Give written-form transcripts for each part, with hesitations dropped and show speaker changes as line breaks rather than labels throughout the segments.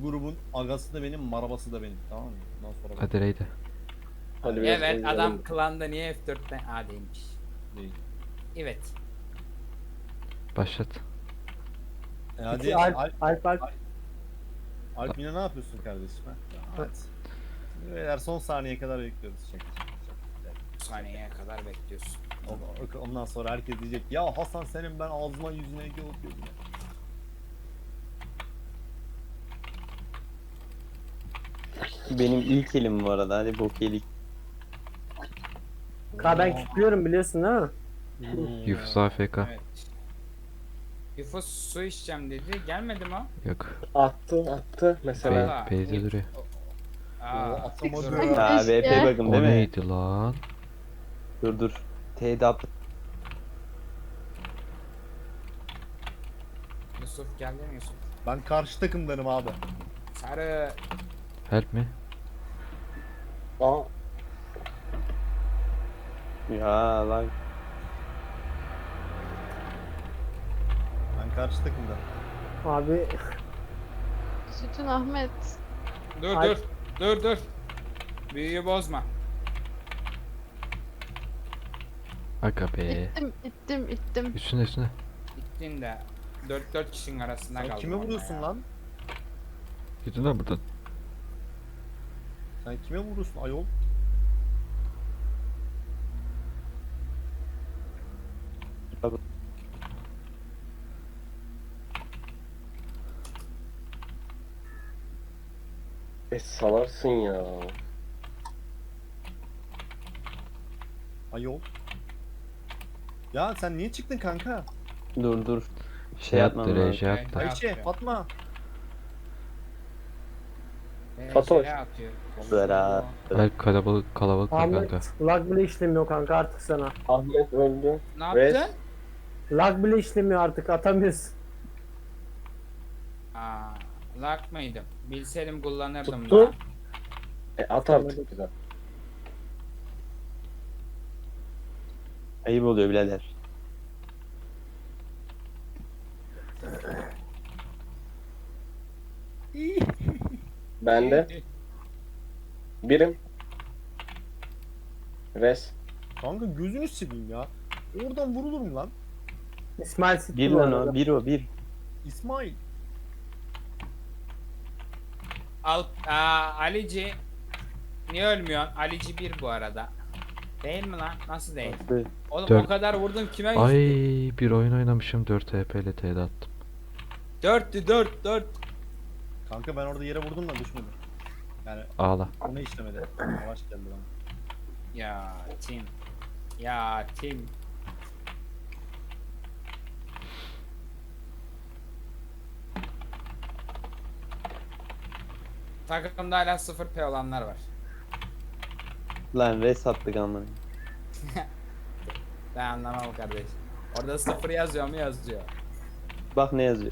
grubun agası da benim, marabası da benim. Tamam mı? Bundan sonra bak.
Hadi Reyde.
Hadi biraz
Evet
oynayalım.
adam klanda niye F4'ten A değilmiş.
Değil.
Evet.
Başlat.
Hadi
İki Alp.
Alp yine ne yapıyorsun kardeşim? Ha? Hadi. Şimdi beyler son saniyeye kadar bekliyoruz. Şaka.
Saniyeye kadar bekliyorsun.
Ondan sonra herkes diyecek ya Hasan senin ben ağzıma yüzüne yapıyordum.
Benim ilk elim bu arada. Hadi bok yedik.
Ben kilitliyorum biliyorsun değil mi?
Yufus AFK.
Evet. Yufus su içeceğim dedi. Gelmedi mi o?
Yok.
Attı mesela.
Valla.
Beyze duruyor.
Aa,
Atamadı.
dur.
Ha VP bakın
O
değil mi?
neydi lan?
Dur. T'de attı.
Yusuf geldi mi Yusuf?
Ben karşı takımdanım abi.
Sarı.
Help mi?
Aa. Ya lan.
Ben karşı takımdanım.
Abi
Sütün Ahmet.
Dur
Ay.
dur. Büyüyü bozma.
Aga be.
İttim.
Üstüne.
Gittin de 4 kişinin arasında
Sen
kaldın.
kime
orada
vuruyorsun
ya.
lan?
Gidin lan buradan.
Sen kime vuruyorsun ayol?
Salarsın ya.
Ayol. Ya sen niye çıktın kanka?
Dur.
Şey
yapmam
attı,
lazım.
reji attı.
Ayşe, Fatma.
Fatoş.
Şeye atıyor.
Berat.
Alp kalabalık var
Ahmet
kanka.
lag bile işlemiyor kanka artık sana.
Ahmet öldü.
Ne yaptın?
Lag bile işlemiyor artık atamıyorsun.
Aa, lag mıydım? Bilseydim kullanırdım
Tuttu.
da.
At artık güzel. Ayıp oluyor birader. Ben de birim. Res.
Kanka gözünü seveyim ya. Oradan vurulur mu lan?
İsmail Sitti
Bir
bu
lan
arada.
o. Bir.
İsmail.
Alici. Niye ölmüyorsun? Alici 1 bu arada. Değil mi lan? Nasıl değil? Oğlum
Dört.
o kadar vurdum kime
Ay
yüzdü?
bir oyun oynamışım 4 HP ile T'de attım.
4'tü 4.
Kanka ben orada yere vurdum da düşmedi. Yani
Ağla.
ona işlemedi. Yavaş geldi bana.
Ya Tim. Takımda hala 0 P olanlar var.
Lan res attık amına.
Ben anlamam kardeş. Orada 0 yazıyor mu yazıyor.
Bak ne yazıyor.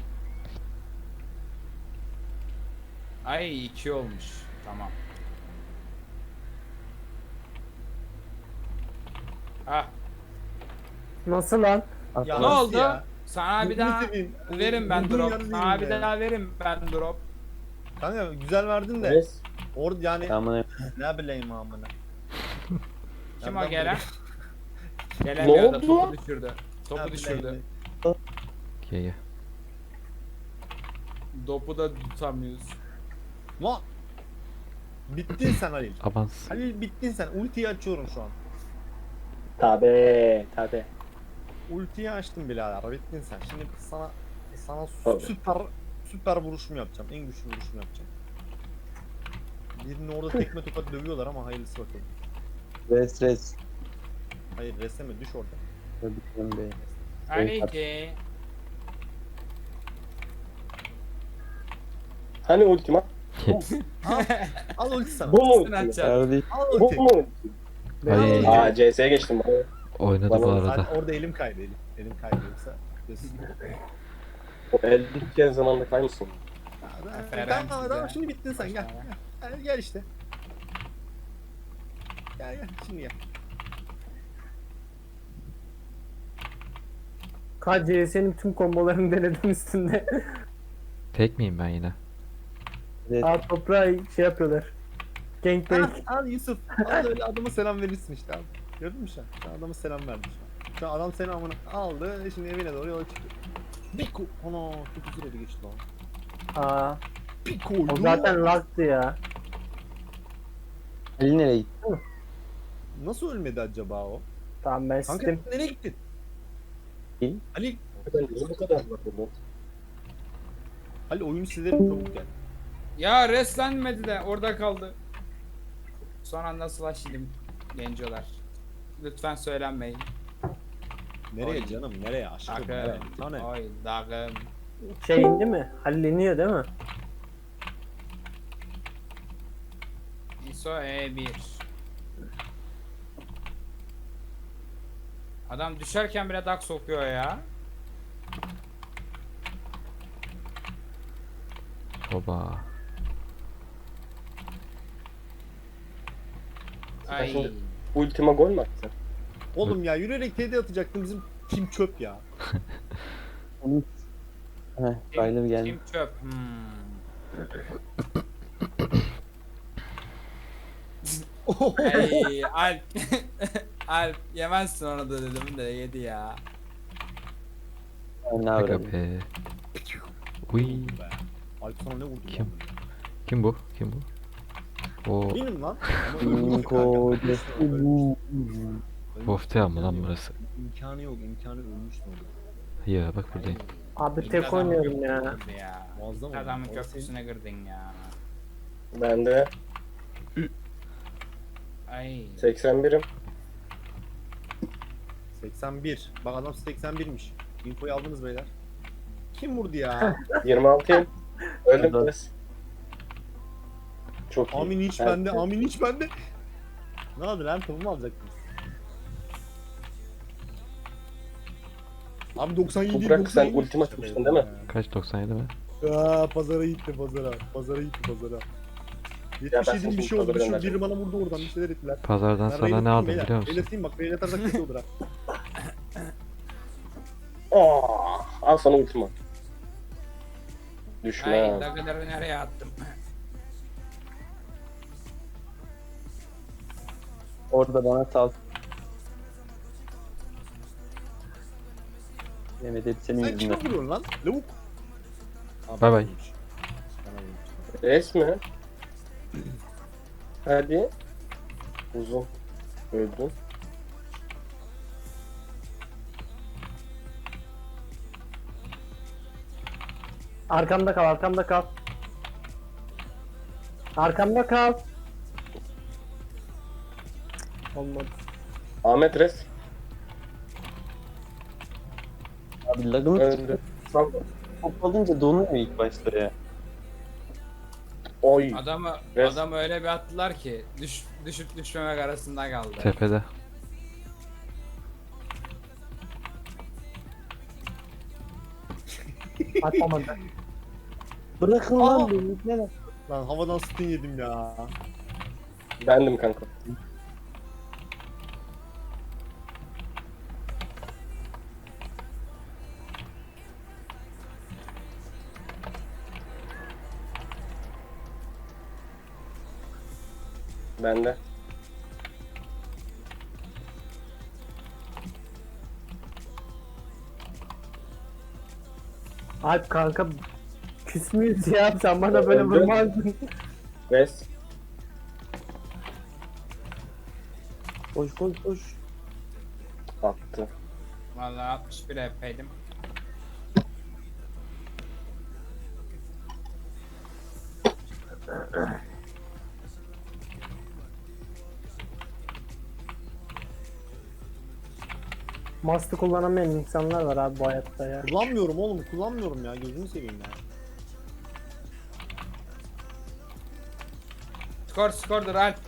Ay 2 olmuş. Tamam. Ah,
Nasıl lan?
Ya
ne
nasıl
oldu?
ya?
Sana bir
Gözünü
daha
seveyim.
verin ben
Vurduğun
drop.
yerde
Sana bir
değilim ya.
daha verin ben drop.
Kanka güzel verdin de.
Res.
Orada yani
Amına.
ne bileyim amına.
Kim
Ya
o
ben
gelen?
bunu-
Gelemiyor da
oldu?
topu düşürdü.
Ne
Topu düşürdü.
bileyim.
Ye.
Topu da tutamıyoruz.
Lan. Bittin sen Halil.
Avans.
Halil bittin sen. Ultiyi açıyorum şu an.
Tabi.
Ultiyi açtım birader. Bittin sen. Şimdi sana
Tabii.
süper vuruşumu yapacağım. En güçlü vuruşumu yapacağım. Birini orada tekme tokat dövüyorlar ama hayırlısı bakalım.
Res.
Hayır resme düş orada.
Öldükten be.
Alici.
Hani ultima?
Al ulti sana.
Bu mu
Sen
ultima?
açacaksın.
Kardeş.
Al
Bu
ulti.
mu?
Ay
Aa CS'ye geçtim.
oynadı
Bana
bu
Sen
arada.
orada elim kaydı elim. Elim kaydı yoksa.
O el bitken zamanda kaymışsın.
Tamam şimdi bittin sen gel. Gel işte. Gel şimdi gel.
KCS'nin tüm kombolarını denedim üstünde.
Tek miyim ben yine?
Aa toprağı şey yapıyorlar. Gangbang.
Al Yusuf. Al öyle adama selam verirsin işte abi. Gördün mü sen? Sen adama selam verdin şu an. Şu an adam seni amına aldı. Şimdi evine doğru yola çıktı. Piko. Ana çok güzel bir geçti lan.
Aa,
Piko.
o zaten lag'tı ya.
Ali nereye gitti?
Nasıl ölmedi acaba o?
Tamam ben
Kanka
sistem.
nereye gittin?
Kim?
Ali.
Bu kadar var burada.
Ali oyunu silerim çabuk gel.
Ya reslenmedi de orada kaldı. Son anda slash yedim gencolar. Lütfen söylenmeyin.
Nereye
Oy.
canım? Nereye? Aşkım nereye?
Dağım.
Sana.
Oy dağım.
Şey indi mi? Halleniyor değil mi?
ISO E1. Adam düşerken bile dak sokuyor ya.
Oba.
Ay.
Ultima gol mü attı?
Oğlum ya yürüyerek TD atacaktım bizim kim çöp ya.
Kim çöp? Ay Alp. Alp yemezsin onu da dedim de yedi ya.
Aga be. Uy.
Be. Alp sana ne vurdu
Kim?
lan?
Kim bu? Kim bu? O
Benim lan. Ama öldü kanka.
Boftea mı lan burası?
İmkanı yok. İmkanı ölmüştü orada.
Ya bak buradayım.
Abi tek oynuyorum ya.
Ya.
Muazzam oldu.
Adamın
O
köprüsüne girdin ya.
Ben de
Ay.
81'im.
81. Bak adam 81'miş. Infoyu aldınız beyler. Kim vurdu ya?
26'yım. Öldüm biraz. Çok iyi.
Amin hiç
Evet.
bende. Amin hiç bende. Ne oldu lan? Topu mu alacaktınız? Abi 97
Toprak, sen
97.
ultima atmıştın değil mi?
Kaç 97 mi?
Aa, pazara gitti pazara. Pazara gitti pazara.
ben
77 bir şey oldu.
pazara
Biri bana vurdu oradan bir şeyler ettiler.
Pazardan
Ben
sana
Reyna
ne aldım
beyler.
biliyor musun?
Reyna bak Reyna atarsak kötü olur ha.
Al sana ultima.
Ay
Düşme.
dagaları nereye attım?
Orada bana sal. Yemin hep senin
Sen kime vuruyorsun lan? Lavuk. Abi,
Bay bay.
vurmuş. Bana vurmuş.
Res mi? Hadi. Uzun. Öldüm.
Arkamda kal, arkamda kal. Arkamda kal. Olmadı.
Ahmet res.
Abi lagımı
Öldü.
top alınca donuyor ilk başta ya.
Oy.
Adamı
Res-
adamı öyle bir attılar ki düşüp düşmemek arasında kaldı.
Tepede.
Atamadı.
Bırakın lan beni. Ne lan?
Lan havadan stun yedim ya.
Bendim kanka. Bende.
Alp kanka küs müyüz ya? Sen bana böyle
Öldü.
vurmazdın.
Res.
Koş koş koş.
Attı.
Vallahi 61 epeydim.
Mast'ı kullanamayan insanlar var abi bu hayatta ya.
Kullanmıyorum oğlum kullanmıyorum ya gözünü seveyim ya.
Skordur Alp.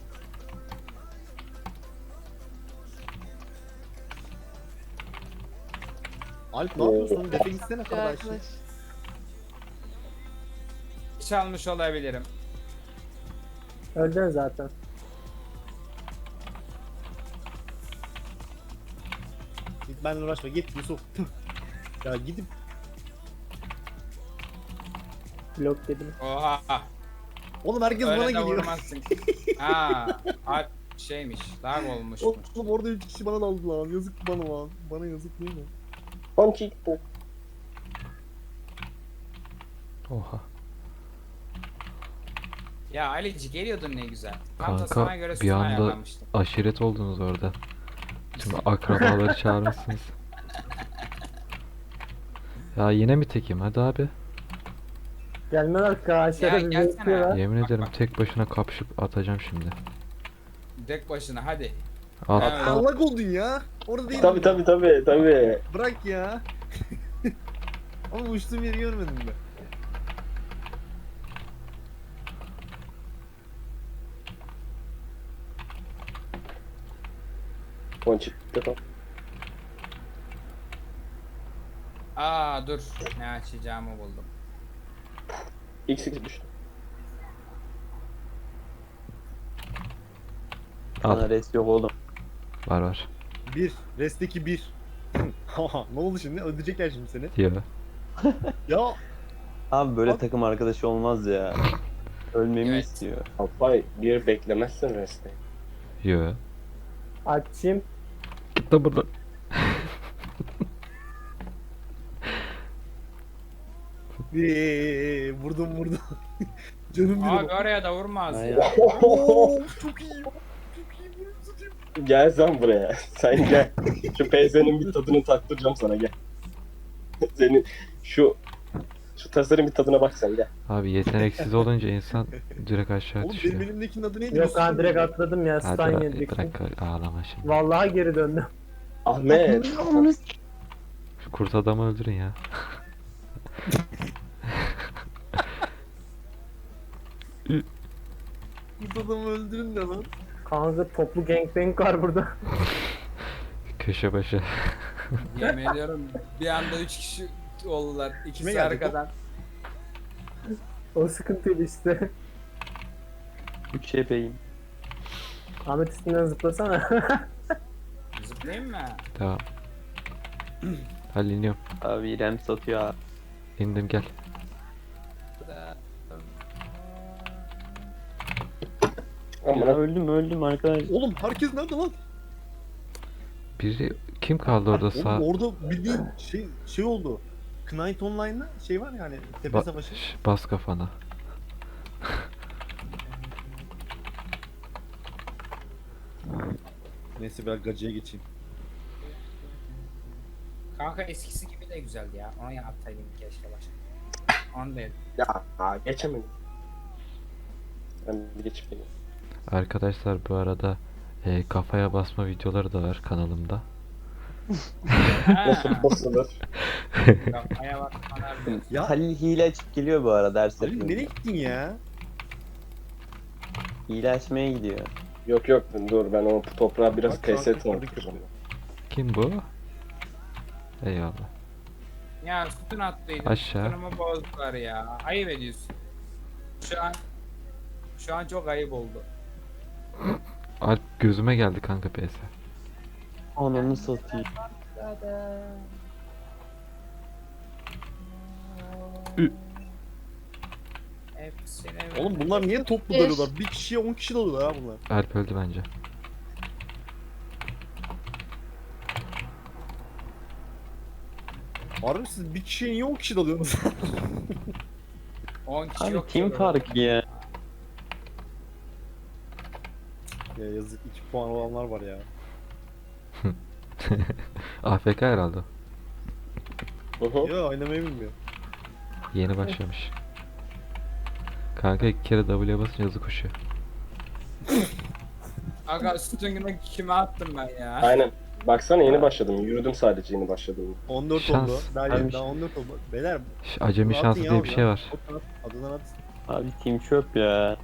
Alp ne yapıyorsun? Defe gitsene kardeş.
Arkadaş.
Çalmış olabilirim.
Öldün zaten.
Git benimle uğraşma git Yusuf. Tüh. Ya gidip
Blok yedim.
Oha.
Oğlum herkes bana
Öyle de
geliyor.
vurmazsın. Ha, alp şeymiş. Lag olmuş.
Oğlum orada 3 kişi bana daldı lan. Yazık bana lan. Bana yazık değil mi?
Ponçik bu.
Oha.
Ya Alici geliyordun ne güzel. Tam da
Kanka,
sana göre
bir
sütun
anda-
ayarlamıştım.
Aşiret oldunuz orada. Tüm akrabaları çağırmışsınız. Ya yine mi tekim? Hadi abi.
Gelmeler karşıya
Ya
bir
gelsene.
bekliyorlar.
Yemin
Bak,
ederim
bak.
tek başına kapışıp atacağım şimdi.
Tek başına hadi.
Al.
Evet.
Allah oldun ya. Orada değil.
Tabii.
Bırak ya. Ama uçtuğum yeri görmedim ben.
Ponçik. Defa.
Aa dur. Ne açacağımı buldum.
X2 düştü.
Al.
Bana res yok oğlum.
Var var.
1. Resteki 1. Haha, ne oldu şimdi? Öldürecekler şimdi seni.
Diyor.
Ya
Abi böyle
Bak.
takım arkadaşı olmaz ya. Ölmemi
Evet.
istiyor.
Alpay bir beklemezsin reste.
Yo.
Açayım.
Git de buradan.
vurdum. Canım
Abi
benim.
oraya da vurmaz
Ay.
ya.
Oo, çok iyi. Çok iyi. Bunu satayım.
Gel sen buraya. Sen gel. Şu PZ'nin bir tadını taktıracağım sana gel. Senin şu tasarım bir tadına bak sen gel.
Abi yeteneksiz olunca insan direkt aşağı
Oğlum benim
düşüyor.
elimdekinin adı neydi?
Yok ha direkt atladım ya.
Hadi
Stun
bırak,
yedik.
bırak ağlama şimdi.
Vallahi geri döndüm.
Ahmet.
Şu kurt adamı öldürün ya.
Bu adamı öldürün de lan.
Kanka toplu gangbang var burada.
Köşe başı.
Yemin ediyorum bir anda 3 kişi oldular.
Kime
İkisi
geldik
arkadan.
O sıkıntıydı işte.
3 ebeyim.
Ahmet üstünden zıplasana.
Zıplayayım mı?
Tamam. Hadi iniyorum.
Abi İrem satıyor abi.
İndim gel.
Ya
Amına
öldüm arkadaş.
Oğlum herkes nerede lan?
Biri kim kaldı orada
Oğlum
sağ?
orada bildiğin şey oldu. Knight Online'da şey var ya hani tepe savaşı.
Bas kafana.
Neyse ben gacıya geçeyim.
Kanka eskisi gibi de güzeldi ya. Onu yapsaydım keşke başta. Onu da
ya geçemedim. Ben bir geçip geleyim.
Arkadaşlar bu arada kafaya basma videoları da var kanalımda.
Nasıl basılır?
Kafaya bak bana bir-
Ya
Halil hile açıp geliyor bu arada her
Ali nereye
seferinde.
gittin ya?
Hile açmaya gidiyor.
Yok dur ben o toprağa biraz
Bak, şu an
PS
kırdık
tanıtacağım.
Kim bu? Eyvallah.
Ya sütun attıydım.
Aşağı.
Sütunumu bozdular ya. Ayıp ediyorsun. Şu an çok ayıp oldu.
Alp gözüme geldi kanka PS.
Ananı satayım.
Hepsine
Oğlum bunlar niye toplu
Beş.
dalıyorlar? Bir kişiye 10 kişi dalıyorlar ha bunlar.
Alp öldü bence.
Harbi siz bir kişiye niye 10 kişi dalıyorsunuz?
10 kişi
Abi
yok.
team
ki
farkı ya.
Ya yazık 2 puan olanlar var ya.
AFK herhalde.
Hı hı.
Ya oynamayı bilmiyor.
Yeni başlamış. Kanka 2 kere W'ye basınca hızlı koşuyor.
Aga sütununu kime attım ben ya?
Aynen. Baksana yeni başladım. Yürüdüm sadece yeni başladım.
14
Şans.
oldu. Daha
Abi-
yeni daha 14 oldu. Beyler
Acemi
bunu
şansı
atın
diye
ya
bir
oradan.
şey var.
Adından at.
Abi team çöp ya.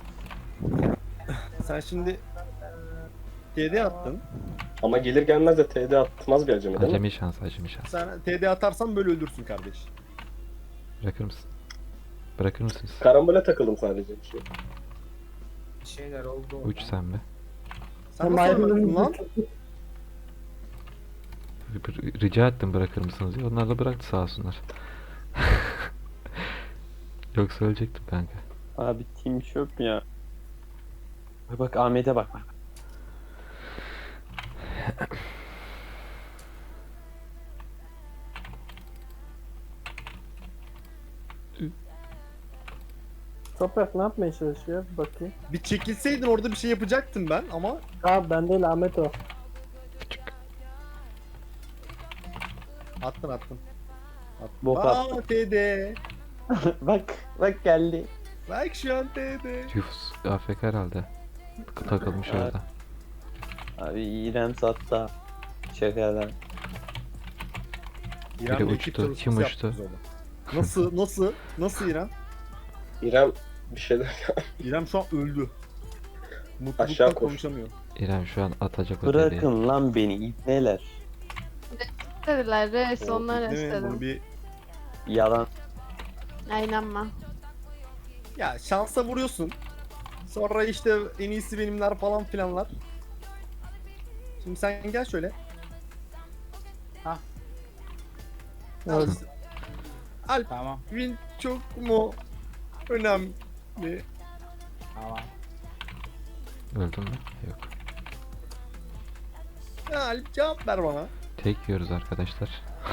Sen şimdi TD attın.
Ama gelir gelmez de TD atmaz bir acemi değil mi?
Acemi şans, acemi şans.
Sen TD atarsan böyle ölürsün kardeş.
Bırakır mısın? Bırakır mısınız?
Karambole takıldım sadece bir şey.
Bir şeyler oldu.
Uç sen be.
Sen nasıl ölmedin lan?
Rica ettim bırakır mısınız diye. Onlar da bıraktı sağ olsunlar. Yoksa ölecektim kanka.
Abi team çöp ya. Bak Ahmet'e bak.
Toprak ne yapmaya çalışıyor? Bir bakayım.
Bir çekilseydin orada bir şey yapacaktım ben ama
Abi ben değil Ahmet o.
attın. Attın.
Bok
Aa TD.
bak geldi.
Bak şu an TD.
Yufus AFK herhalde. Takılmış
Evet.
orada.
Abi İrem sattı. Şakalar.
İrem'le
Biri
ekip
uçtu.
çalışması
Kim
yaptık
uçtu?
biz orada. Nasıl İrem?
İrem bir şeyler
İrem şu an öldü. Mutluluktan
Aşağı koş.
konuşamıyor.
İrem şu an atacak o deliği.
Bırakın lan beni ibneler.
Dediler reis
O,
onlar
değil mi? Bunu
istedim.
bir
Yalan.
Aynen.
ya şansa vuruyorsun. Sonra işte en iyisi benimler falan filanlar. Şimdi sen gel şöyle.
Evet.
Alp
Tamam.
win çok mu önemli?
Tamam.
Öldün mü? Yok.
Ya Alp cevap ver bana.
Tek yiyoruz arkadaşlar.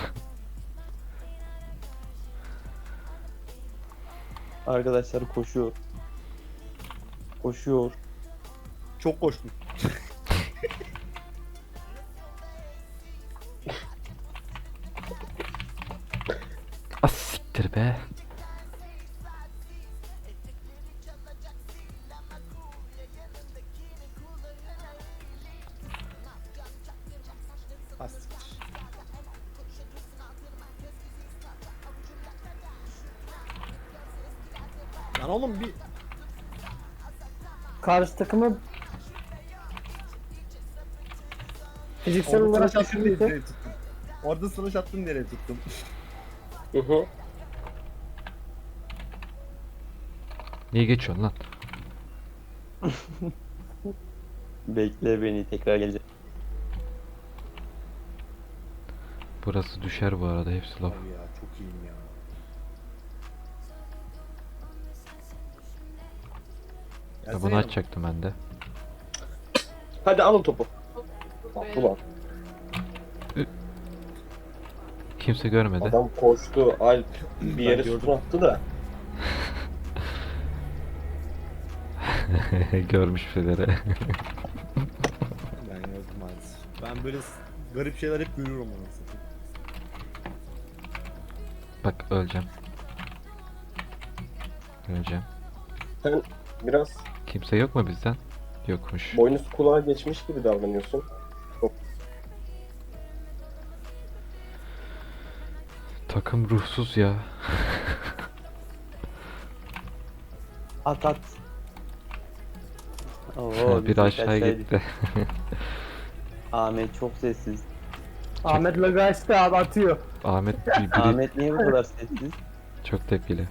Arkadaşlar koşuyor. Koşuyor.
Çok koştun.
As siktir be.
Hastiktir. Lan oğlum bir
Karşı takımı fiziksel
orada
olarak
sınıf attın diye
düşündüyse
nereye tuttum. Orada sınıf attın nereye tuttum.
Hı hı.
Niye geçiyorsun lan?
Bekle beni tekrar gelecek.
Burası düşer bu arada hepsi laf.
Abi ya çok iyiyim ya.
Ya
Gelsene
bunu
yanıma.
açacaktım ben de.
Hadi alın topu. Attı lan.
Kimse görmedi.
Adam koştu. Alp bir yere
gördüm.
sütun attı da.
Görmüş şeyleri.
Ben gördüm maalesef. Ben böyle garip şeyler hep görüyorum anasını.
Bak öleceğim. Öleceğim.
Sen biraz
Kimse yok mu bizden? Yokmuş.
boynuz kulağa geçmiş gibi davranıyorsun.
Takım ruhsuz ya.
At at.
Bir
bizim
aşağı
kaçsaydı.
gitti.
Ahmet çok sessiz.
Ahmet logo açtı abi atıyor.
Ahmet biri
Ahmet niye bu kadar sessiz?
çok tepkili.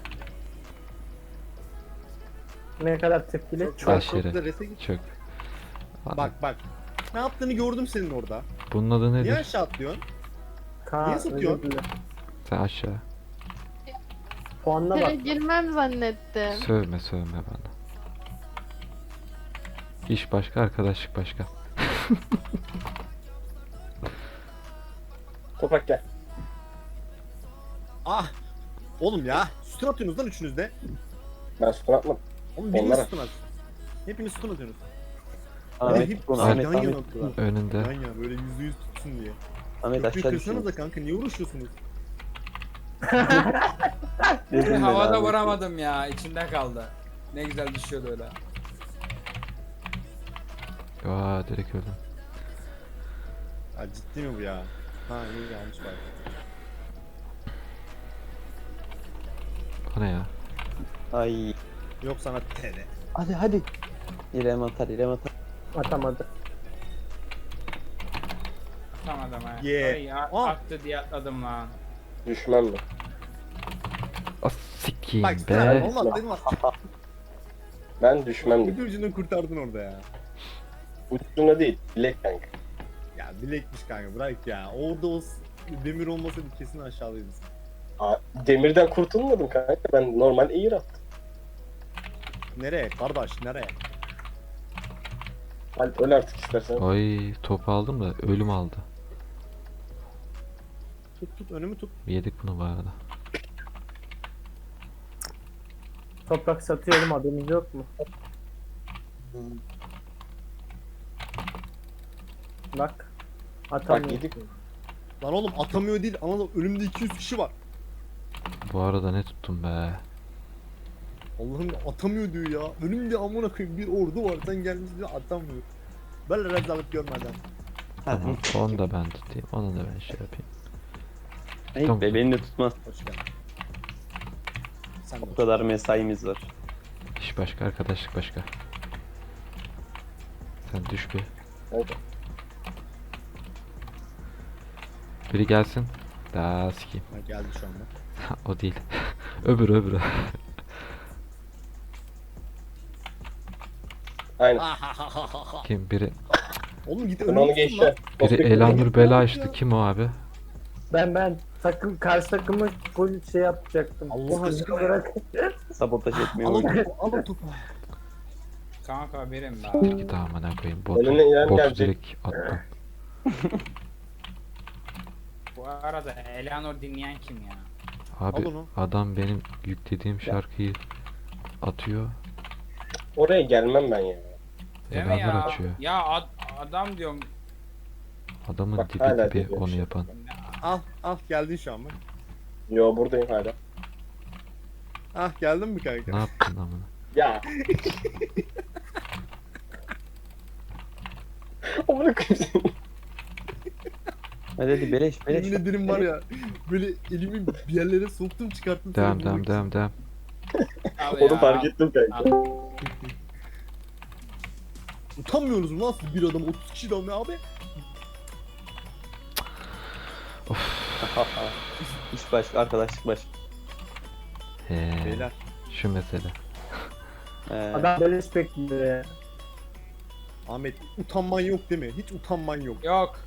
Ne kadar tepkili.
Çok
Aşırı.
çok da rese git.
Çok.
Bak. Ne yaptığını gördüm senin orada.
Bunun adı
Niye
nedir?
aşağı atlıyorsun?
Kaan,
Niye satıyor?
özür dilerim.
Sen aşağı.
Puanına
Bir
bak.
kere girmem zannettim.
Sövme bana. İş başka, arkadaşlık başka.
Toprak gel.
Ah! Oğlum ya. Sütun atıyorsunuz lan üçünüz de.
Ben sütun atmadım.
Oğlum biriniz
Onlara.
sütun at. Hepiniz sütun atıyorsunuz.
Ahmet
hep
bunu
yan
Ahmet
yana
Ahmet.
attılar.
Önünde.
Yan yana böyle %100 tutsun diye.
Ahmet
Köprüyü
aşağı
kırsanız da
düşüyor.
kanka niye uğraşıyorsunuz?
Dedim ben
Havada
Ahmet.
vuramadım ya. İçinde kaldı. Ne güzel düşüyordu öyle.
Aa direkt öldüm.
Ya ciddi mi bu ya? Ha iyi yanlış var.
O ne ya?
Ay.
Yok sana TD.
Hadi. İrem atar.
Atamadı.
Tamam adam ha.
Yeah.
Ay,
Oh.
aktı diye atladım lan.
Düşmem mi?
As sikiyim
Bak sen
be.
olmaz dedim aslında.
Ben düşmem
Bir
dedim.
ucunu kurtardın orada ya.
Ucuna değil. Bilek kanka.
Ya bilekmiş kanka bırak ya. Orada o demir olmasaydı kesin aşağıdaydın.
Demirden kurtulmadım kanka. Ben normal air attım.
Nereye kardeş nereye?
Alp öl artık istersen.
Ay topu aldım da ölüm aldı.
Tut önümü tut.
Yedik bunu bu arada.
Toprak satıyorum, haberiniz yok mu? Bak.
Bak
Atamıyor.
yedik.
Lan oğlum atamıyor değil. Anladın önümde 200 kişi var.
Bu arada ne tuttum be.
Allah'ım atamıyor diyor ya. Önümde amına koyayım bir ordu var. Sen gelmiş diyor atamıyor. Böyle rezalet görmeden.
Tamam onu da ben tutayım. Onu da ben şey yapayım.
Ayıp be, beni de tutmaz.
Hoş geldin. Sen de
O kadar mesaimiz var.
İş başka, arkadaşlık başka. Sen düş bir.
Oldu.
Biri gelsin. Daha sikeyim.
Ha, geldi şu anda.
O değil. öbürü.
Aynen.
Kim? Biri
Oğlum git
Ben
önüme
onu
tutun
geçti.
lan.
biri Elanur bela açtı. Kim o abi?
Ben karşı takımı full şey yapacaktım.
Allah aşkına ya.
olarak
Sabotaj etmeye
Al o
oynuyor.
topu al o topu.
Kanka benim be.
Git amına koyayım.
Önüne inen
Botu
gelecek.
direkt attım.
Bu arada Eleanor dinleyen kim ya?
Abi
Al onu.
adam benim yüklediğim şarkıyı atıyor.
Oraya gelmem ben ya.
Değil mi
Elanur
ya?
açıyor.
Ya adam diyorum.
Adamın
Bak,
dibi
hala
dibi
diyor
onu
şey.
yapan.
Al geldin şu an bak.
Yo buradayım hala.
Geldin mi kanka?
Ne yaptın amına?
Ya. Amına koyayım.
Hadi beleş
Yemin ederim var ya böyle elimi bir yerlere soktum çıkarttım. seni
Devam
vurmak için.
devam.
Al
Onu
ya.
fark ettim kanka.
Utanmıyorsunuz mu lan siz bir adam 30 kişi adam ya abi?
İş başka, arkadaşlık başka.
Beyler.
Şu mesele.
adam beleş bekliyor ya.
Ahmet utanman yok değil mi? Hiç utanman yok.
Yok.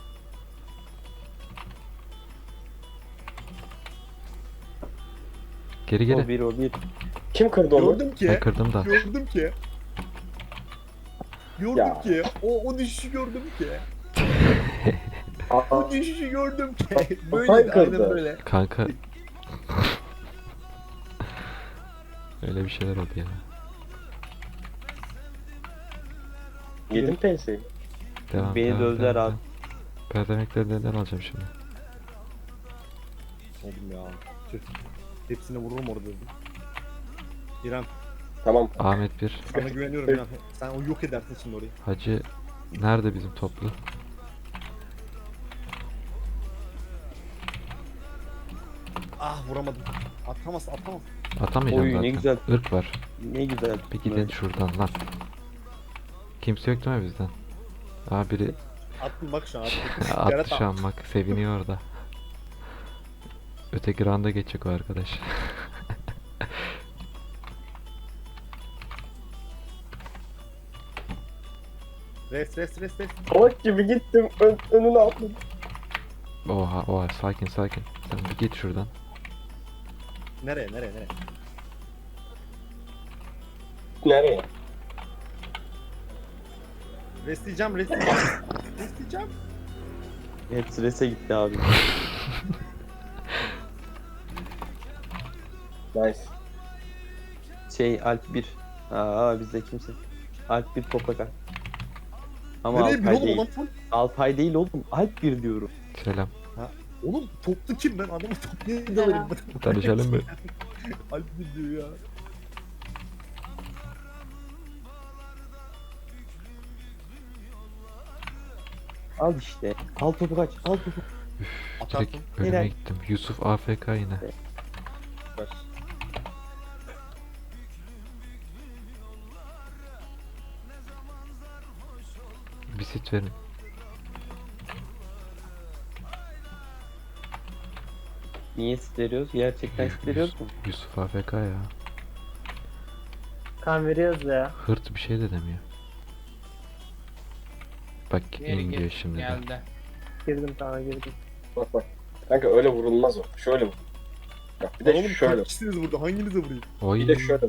Geri
O
geri.
bir, o bir.
Kim kırdı onu?
Gördüm ki.
Ben kırdım da.
Gördüm ki. Gördüm
Ya.
ki. O düşüşü gördüm ki.
Aa,
O düşüşü gördüm ki.
Hatay
Böyle aynen
kırdı.
böyle.
Kanka. Öyle bir şeyler oldu ya.
yedim penseyi.
Devam.
Beni
devam,
dövdüler
devam,
abi.
devam. Perdemekleri neden alacağım şimdi?
Oğlum ya. Tüh. Hepsine vururum orada dedim. İrem
Tamam.
Ahmet 1.
sana güveniyorum İrem. Sen o yok edersin şimdi orayı.
Hacı nerede bizim toplu?
Vuramadım. Atamaz.
Atamayacağım
Oy, ne
zaten.
güzel.
Irk var.
Ne güzel.
Bir gidin şuradan lan. Kimse yok değil mi bizden? Biri
Attım bak şu an.
attı şu an bak seviniyor orada. Öteki randa geçecek o arkadaş.
Rest.
Salak gibi gittim. Önüne atladım.
Oha sakin. Sen bir git şuradan.
Nereye?
Nereye?
Restleyeceğim.
Hepsi rese gitti abi.
Nice.
Alp 1. Bizde kimse. Alp 1 toprak Alp. Ama
Nereye bir
Alpay
oğlum
değil.
adam full.
Alpay değil oğlum. Alp 1 diyorum.
Selam.
Oğlum toplu kim ben adamı toplayayım da
Selam.
vereyim.
Tanışalım mı?
Alp mi diyor ya.
Al işte. Al topu kaç. Al topu.
Atarsın.
Direkt önüme
Helal.
gittim. Yusuf AFK yine.
Ver.
Bir sit verin.
Niye veriyoruz? Gerçekten veriyoruz mu?
Yusuf AFK ya.
Kan veriyoruz ya.
Hırt bir şey de demiyor. Bak
Geri
in diyor
gel.
şimdi de.
Geldi.
Girdim sana girdim.
Bak. Kanka öyle vurulmaz o. Şöyle vur. Bak bir de
Oğlum
şöyle.
kaç kişisiniz burada? Hanginize vurayım?
Oy.
Bir de şöyle.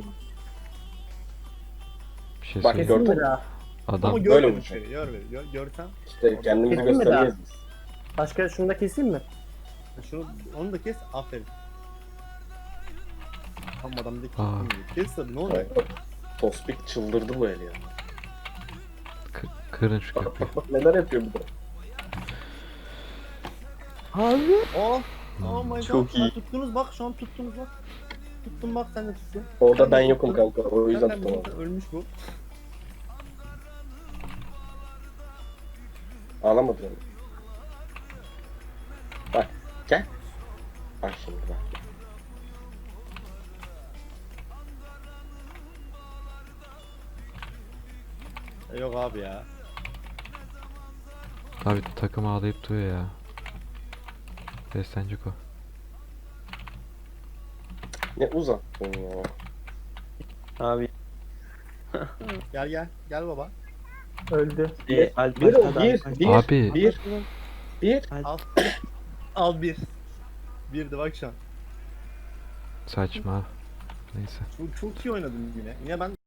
Bir şey
Bak,
söyleyeyim.
Kesin mi
gördün.
daha?
Ama
Adam
Böyle
görmedim
vuracak.
seni. Görsem.
İşte kendimizi
Kesin mi
göstermeyiz
daha?
biz.
Başka şunu da keseyim mi?
Şunu, onu da kes. Aferin. Tam adam da
Aa.
kes tabii ne oluyor?
Tospik çıldırdı bu el ya.
Kırın şu
Bak
köprüyü.
bak bak neler yapıyor bir de.
Abi.
Oh. Oh my god.
Çok iyi.
Ha, tuttunuz bak şu an tuttunuz bak. Tuttum bak sen de tuttun.
Orada
Sen
ben
de
yokum
tuttun.
kanka. O yüzden
Zaten
tutamadım.
ölmüş bu.
Ağlamadı yani. Bak gel. Bak şimdi bak.
Yok abi ya.
Abi takım ağlayıp duruyor ya. Beslenecek o.
Ne uzattın ya.
Abi.
Gel. Gel baba.
Öldü.
Alp
Bir o
başladı,
bir.
Alp başladı.
Bir.
Abi.
Bir. Bir.
Al. Al bir. Birdi bak şu an.
Saçma. Neyse.
Çok iyi oynadın yine. Yine ben